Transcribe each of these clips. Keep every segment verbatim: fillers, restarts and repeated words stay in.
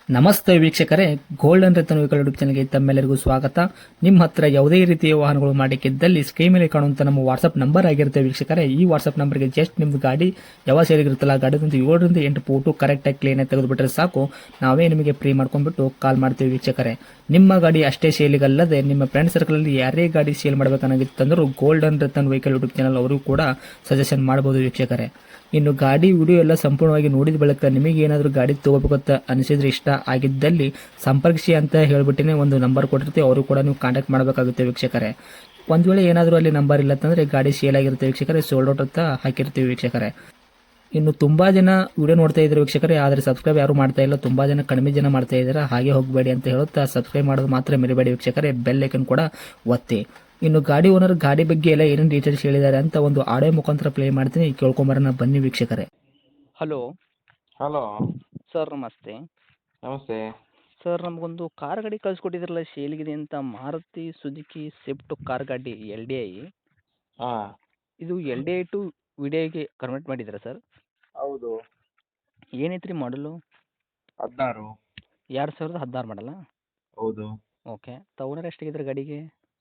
ನಮಸ್ತೆ ವೀಕ್ಷಕರೇ, golden Ratan vehicle YouTube ಚಾನಲ್ಗೆ ತಮ್ಮೆಲ್ಲರಿಗೂ ಸ್ವಾಗತ. ನಿಮ್ಮ ಹತ್ರ ಯಾವುದೇ ರೀತಿಯ ವಾಹನಗಳು ಮಾಡಿಕ್ಕಿದ್ದಲ್ಲಿ ಸ್ಕ್ರೀನ್ ಮೇಲೆ ಕಾಣುವಂತ ನಮ್ಮ ವಾಟ್ಸ್ಆಪ್ ನಂಬರ್ ಆಗಿರುತ್ತೆ ವೀಕ್ಷಕರೇ. ಈ ವಾಟ್ಸ್ಆಪ್ ನಂಬರ್ಗೆ ಜಸ್ಟ್ ನಿಮ್ದು ಗಾಡಿ ಯಾವ ಸೇರಿಗಿರುತ್ತಲ್ಲ ಗಾಡಿದಂತ ಏಳರಿಂದ ಎಂಟು ಫೋಟೋ ಕರೆಕ್ಟಾಗಿ ಕ್ಲೀನ್ ಆಗಿ ತೆಗೆದುಬಿಟ್ರೆ ಸಾಕು, ನಾವೇ ನಿಮಗೆ ಫ್ರೀ ಮಾಡ್ಕೊಂಡ್ಬಿಟ್ಟು ಕಾಲ್ ಮಾಡ್ತೀವಿ ವೀಕ್ಷಕರೇ. ನಿಮ್ಮ ಗಾಡಿ ಅಷ್ಟೇ ಸೇಲಿಗಲ್ಲದೆ ನಿಮ್ಮ ಫ್ರೆಂಡ್ ಸರ್ಕಲ್ ಅಲ್ಲಿ ಯಾರೇ ಗಾಡಿ ಸೇಲ್ ಮಾಡಬೇಕನ್ನಾಗಿತ್ತಂದ್ರೂ golden Ratan vehicle YouTube channel ಅವರು ಕೂಡ ಸಜೆಷನ್ ಮಾಡಬಹುದು ವೀಕ್ಷಕರೇ. ಇನ್ನು ಗಾಡಿ ವಿಡಿಯೋ ಎಲ್ಲ ಸಂಪೂರ್ಣವಾಗಿ ನೋಡಿದ ಬಳಿಕ ನಿಮಗೆ ಏನಾದರೂ ಗಾಡಿ ತಗೋಬೇಕಂತ ಅನಿಸಿದ್ರೆ, ಇಷ್ಟ ಆಗಿದ್ದಲ್ಲಿ ಸಂಪರ್ಕಿಸಿ ಅಂತ ಹೇಳ್ಬಿಟ್ಟಿನೇ ಒಂದು ನಂಬರ್ ಕೊಟ್ಟಿರ್ತೀವಿ, ಅವರು ಕೂಡ ನೀವು ಕಾಂಟ್ಯಾಕ್ಟ್ ಮಾಡಬೇಕಾಗುತ್ತೆ ವೀಕ್ಷಕರೇ. ಒಂದು ವೇಳೆ ಏನಾದರೂ ಅಲ್ಲಿ ನಂಬರ್ ಇಲ್ಲ ಅಂತಂದರೆ ಗಾಡಿ ಸೇಲ್ ಆಗಿರುತ್ತೆ ವೀಕ್ಷಕರೇ, ಸೋಲ್ಡ್ ಔಟ್ ಅಂತ ಹಾಕಿರ್ತೀವಿ ವೀಕ್ಷಕರೇ. ಇನ್ನು ತುಂಬ ಜನ ವಿಡಿಯೋ ನೋಡ್ತಾ ಇದ್ದಾರೆ ವೀಕ್ಷಕರೇ, ಆದರೆ ಸಬ್ಸ್ಕ್ರೈಬ್ ಯಾರು ಮಾಡ್ತಾ ಇಲ್ಲ, ತುಂಬ ಜನ ಕಡಿಮೆ ಜನ ಮಾಡ್ತಾ ಇದ್ದಾರೆ. ಹಾಗೆ ಹೋಗಬೇಡಿ ಅಂತ ಹೇಳುತ್ತಾ ಸಬ್ಸ್ಕ್ರೈಬ್ ಮಾಡೋದು ಮಾತ್ರ ಮರಿಬೇಡಿ ವೀಕ್ಷಕರೇ, ಬೆಲ್ ಐಕನ್ ಕೂಡ ಒತ್ತಿ. ಇನ್ನು ಗಾಡಿ ಓನರ್ ಗಾಡಿ ಬಗ್ಗೆ ಎಲ್ಲ ಏನೇನು ಡೀಟೇಲ್ಸ್ ಹೇಳಿದ್ದಾರೆ ಅಂತ ಒಂದು ಆಡಿಯೋ ಮುಖಾಂತರ ಪ್ಲೇ ಮಾಡ್ತೀನಿ, ಕೇಳ್ಕೊಂಬರೋಣ ಬನ್ನಿ ವೀಕ್ಷಕರೇ. ಹಲೋ ಹಲೋ ಸರ್, ನಮಸ್ತೆ. ನಮಸ್ತೆ. ಸರ್, ನಮಗೊಂದು ಕಾರ್ ಗಾಡಿ ಕಳಿಸ್ಕೊಟ್ಟಿದ್ರಲ್ಲ ಸೇಲ್ಗಿದೆ ಅಂತ, ಮಾರುತಿ ಸುಜುಕಿ ಸ್ವಿಫ್ಟ್ ಕಾರ್ ಗಾಡಿ ಎಲ್ ಡಿ ಐ. ಹಾಂ ಇದು L D I to V D ಐಗೆ ಕನ್ವರ್ಟ್ ಮಾಡಿದ್ದೀರಾ ಸರ್? ಹೌದು. ಏನೈತ್ರಿ ಮಾಡಲು? ಹದಿನಾರು. ಎರಡು ಸಾವಿರದ ಹದಿನಾರು ಮಾಡಲ್ಲ? ಹೌದು. ಓಕೆ. ಓನರ್ ಎಷ್ಟಾಗಿದ್ರೆ ಗಾಡಿಗೆ?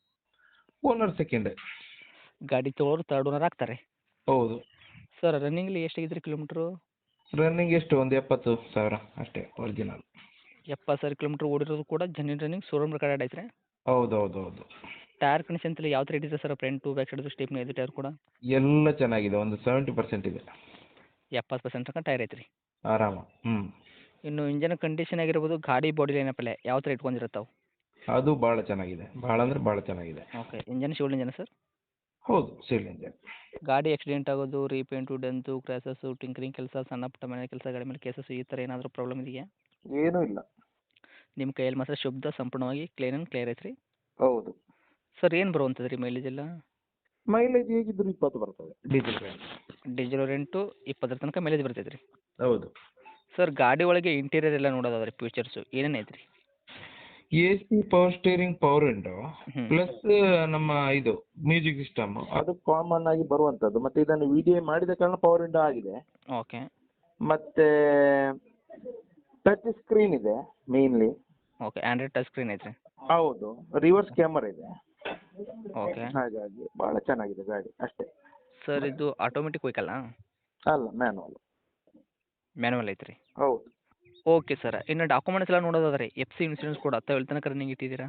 Owner second. ಗಾಡಿ ತೊಗೊಳೋರು ತರ್ಡ್ ಓನರ್ ಆಗ್ತಾರೆ? ಹೌದು. ಸರ್, ರನ್ನಿಂಗ್ಲಿ ಎಷ್ಟಾಗಿದ್ರಿ ಕಿಲೋಮೀಟ್ರು? ರನ್ನಿಂಗ್ ಎಷ್ಟು ಒಂದು ಎಪ್ಪತ್ತು ಸಾವಿರ ಅಷ್ಟೇ, ಒರಿಜಿನಲ್. ಎಪ್ಪತ್ತು ಸಾವಿರ ಕಿಲೋಮೀಟ್ರ್ ಓಡಿರೋದು ಕೂಡ ಜೆನ್ಯೂನ್ ರನ್ನಿಂಗ್, ಶೋರೂಮ್ ರೆಕಾರ್ಡ್ ಐತ್ರಿ? ಹೌದು ಹೌದು ಹೌದು. ಟೈರ್ ಕಂಡೀಷನ್ ಎಲ್ಲ ಯಾವ ಥರ ಇದೆ sir? Front back side stepney ಇದೆ ಟೈರ್ ಕೂಡ? ಎಲ್ಲ ಚೆನ್ನಾಗಿದೆ, ಒಂದು ಸೆವೆಂಟಿ ಪರ್ಸೆಂಟ್ ಇದೆ. ಎಪ್ಪತ್ತು ಪರ್ಸೆಂಟ್ ತನಕ ಟೈರ್ ಐತ್ರಿ? ಆರಾಮ. ಹ್ಞೂ. ಇನ್ನು ಇಂಜನ್ ಕಂಡೀಷನ್ ಆಗಿರ್ಬೋದು, ಗಾಡಿ ಬಾಡಿ ಲೈನಪ್ಪಲ್ಲೇ ಯಾವ ಥರ ಇಟ್ಕೊಂಡಿರುತ್ತಾವೆ? ಅದು ಭಾಳ ಚೆನ್ನಾಗಿದೆ, ಭಾಳ ಅಂದರೆ ಭಾಳ ಚೆನ್ನಾಗಿದೆ. ಓಕೆ. ಇಂಜನ್ ಶಿವಲ್ ಇಂಜನ್ ಸರ್? ಹೌದು, ಸೀಲ್ ಇಂಜನ್. ಗಾಡಿ ಆಕ್ಸಿಡೆಂಟ್ ಆಗೋದು, ರೀಪೇಂಟು, ಡೆಂತು, ಕ್ರ್ಯಾಸಸ್ಸು, ಟಿಂಕರಿಂಗ್ ಕೆಲಸ, ಸಣ್ಣ ಪುಟ್ಟ ಮನೆ ಕೆಲಸ, ಗಾಡಿ ಮೇಲೆ ಕೇಸಸ್, ಈ ಥರ ಏನಾದರೂ ಪ್ರಾಬ್ಲಮ್ ಇದೆಯಾ? ಏನೂ ಇಲ್ಲ. ನಿಮ್ಮ ಕೈಯಲ್ಲಿ ಮಾತ್ರ ಶುದ್ಧ ಸಂಪೂರ್ಣವಾಗಿ ಕ್ಲೀನ್ ಆ್ಯಂಡ್ ಕ್ಲಿಯರ್ ಐತ್ರಿ? ಹೌದು. ಸರ್, ಏನು ಬರುವಂಥದ್ದು ರೀ ಮೈಲೇಜ್ ಎಲ್ಲ? ಮೈಲೇಜ್ ಹೇಗಿದ್ರು ಇಪ್ಪತ್ತು ಬರ್ತದೆ, ಡೀಸೆಲ್ ಗಾಡಿ. ಡೀಸೆಲ್ ರೆಂಟು ಇಪ್ಪತ್ತರ ತನಕ ಮೈಲೇಜ್ ಬರ್ತೈತೆ ರೀ? ಹೌದು. ಸರ್, ಗಾಡಿ ಒಳಗೆ ಇಂಟೀರಿಯರ್ ಎಲ್ಲ ನೋಡೋದಾದ್ರೆ ಫ್ಯೂಚರ್ಸು ಏನೇನು ಐತ್ರಿ? A C, power steering, power window, ಹ್ಞೂ. ಪ್ಲಸ್ ನಮ್ಮ ಇದು ಮ್ಯೂಸಿಕ್ ಸಿಸ್ಟಮ್ ಅದು ಕಾಮನ್ ಆಗಿ ಬರುವಂಥದ್ದು. ಮತ್ತೆ ಇದನ್ನು ವಿ ಡಿ ಐ ಮಾಡಿದ ಕಾರಣ ಪವರ್ ವಿಂಡೋ ಆಗಿದೆ. ಓಕೆ. ಮತ್ತೆ ಟಚ್ ಸ್ಕ್ರೀನ್ ಇದೆ mainly. Okay. Android touch screen ಐತ್ರಿ? ಹೌದು. ರಿವರ್ಸ್ ಕ್ಯಾಮರಾ ಇದೆ. ಓಕೆ. ಹಾಗಾಗಿ ಭಾಳ ಚೆನ್ನಾಗಿದೆ ಗಾಡಿ ಅಷ್ಟೇ. ಸರ್, ಇದು ಆಟೋಮೆಟಿಕ್ ವೆಹಿಕಲ್ಲ? ಅಲ್ಲ, ಮ್ಯಾನುವಲ್. ಮ್ಯಾನುವಲ್ ಐತ್ರಿ? ಹೌದು. Okay sir. ಇನ್ನು ಡಾಕ್ಯುಮೆಂಟ್ಸ್ ಎಲ್ಲ ನೋಡೋದಾದ್ರೆ ಎಫ್ ಸಿ ಇನ್ಸೂರೆನ್ಸ್ ಕೂಡ ಹತ್ತು ಎಲ್ಲಿ ತನಕ ರನ್ನಿಂಗ್ ಇಟ್ಟಿದ್ದೀರಾ?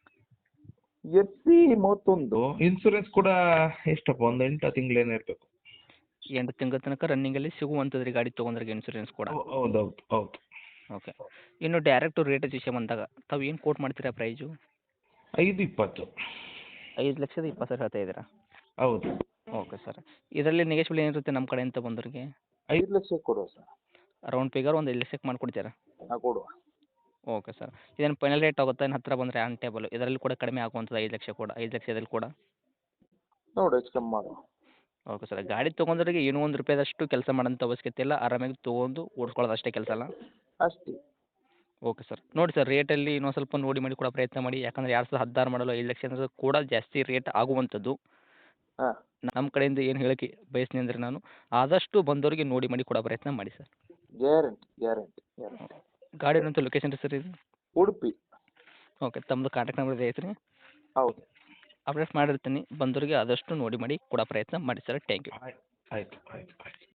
ಎಫ್ ಸಿ ಮೂವತ್ತೊಂದು, ಇನ್ಸೂರೆನ್ಸ್ ಕೂಡ ಎಷ್ಟಪ್ಪ, ಒಂದು ಎಂಟು ತಿಂಗಳೇನೋ ಇರಬೇಕು. ಎಂಟು ತಿಂಗಳ ತನಕ ರನ್ನಿಂಗಲ್ಲಿ ಸಿಗುವಂಥದ್ದು ರೀ ಗಾಡಿ ತೊಗೊಂಡ್ರೆ ಇನ್ಸೂರೆನ್ಸ್ ಕೂಡ? ಹೌದು ಹೌದು ಹೌದು. ಓಕೆ. ಇನ್ನು ಡೈರೆಕ್ಟು ರೇಟ್ ವಿಷಯ ಬಂದಾಗ ತಾವು ಏನು ಕೋಟ್ ಮಾಡ್ತೀರಾ ಪ್ರೈಸು? ಐದು ಇಪ್ಪತ್ತು. ಐದು ಲಕ್ಷದ ಇಪ್ಪತ್ತು ಸಾವಿರ ಹೇಳ್ತಾ ಇದ್ದೀರಾ? ಹೌದು. Okay sir. ಇದರಲ್ಲಿ ನೆಗೆಶ್ಬಲ್ ಏನಿರುತ್ತೆ ನಮ್ಮ ಕಡೆಯಿಂದ ಬಂದವರಿಗೆ? ಐದು ಲಕ್ಷಕ್ಕೆ ಕೊಡುವ ಸರ್. ರೌಂಡ್ ಫಿಗರ್ ಒಂದು ಐದು ಲಕ್ಷಕ್ಕೆ ಮಾಡಿಕೊಡ್ತೀರಾ? ಹಾಂ, ಕೊಡುವ. Okay sir. ಇದೇನು ಫೈನಲ್ ರೇಟ್ ಆಗುತ್ತಾ? ಇನ್ನು ಹತ್ತಿರ ಬಂದರೆ ಆನ್ ಟೇಬಲ್ ಇದರಲ್ಲಿ ಕೂಡ ಕಡಿಮೆ ಆಗುವಂಥದ್ದು ಐದು ಲಕ್ಷ ಕೂಡ ಐದು ಲಕ್ಷದಲ್ಲಿ ಕೂಡ? ನೋಡು, ಹೆಚ್ಚು ಕಮ್ಮಿ ಮಾಡುವ. Okay sir. ಗಾಡಿ ತೊಗೊಂಡ್ರಿಗೆ ಏನೋ ಒಂದು ರೂಪಾಯಿದಷ್ಟು ಕೆಲಸ ಮಾಡೋಂಥ ಅವಶ್ಯಕತೆ ಇಲ್ಲ, ಆರಾಮಾಗಿ ತೊಗೊಂಡು ಓಡಿಸ್ಕೊಳ್ಳೋದು ಅಷ್ಟೇ ಕೆಲಸ ಅಲ್ಲ? ಅಷ್ಟೇ. Okay sir. ನೋಡಿ ಸರ್, ರೇಟಲ್ಲಿ ಇನ್ನೊಂದು ಸ್ವಲ್ಪ ನೋಡಿ ಮಾಡಿ ಕೊಡೋ ಪ್ರಯತ್ನ ಮಾಡಿ, ಯಾಕಂದರೆ ಎರಡು ಸಾವಿರದ ಹದಿನಾರು ಮಾಡಲು ಐದು ಲಕ್ಷ ಅಂದರೆ ಕೂಡ ಜಾಸ್ತಿ ರೇಟ್ ಆಗುವಂಥದ್ದು. ಹಾಂ. ನಮ್ಮ ಕಡೆಯಿಂದ ಏನು ಹೇಳೋಕ್ಕೆ ಬಯಸ್ತೀನಿ ಅಂದರೆ, ನಾನು ಆದಷ್ಟು ಬಂದವರಿಗೆ ನೋಡಿ ಮಾಡಿ ಕೊಡೋ ಪ್ರಯತ್ನ ಮಾಡಿ ಸರ್. Guarantee guarantee guarantee. ಗಾಡಿ ಇರೋಂಥ ಲೊಕೇಶನ್ ರೀ ಸರ್ ಇದು? ಉಡುಪಿ. ಓಕೆ. ತಮ್ಮದು ಕಾಂಟ್ಯಾಕ್ಟ್ ನಂಬರ್ ಐತ್ರಿ? ಹೌದು. ಅಪ್ಡೇಟ್ ಮಾಡಿರ್ತೀನಿ, ಬಂದವರಿಗೆ ಆದಷ್ಟು ನೋಡಿ ಮಾಡಿ ಕೊಡೋ ಪ್ರಯತ್ನ ಮಾಡಿ ಸರ್. Thank you. ಆಯ್ತು ಆಯ್ತು ಆಯ್ತು ಆಯ್ತು.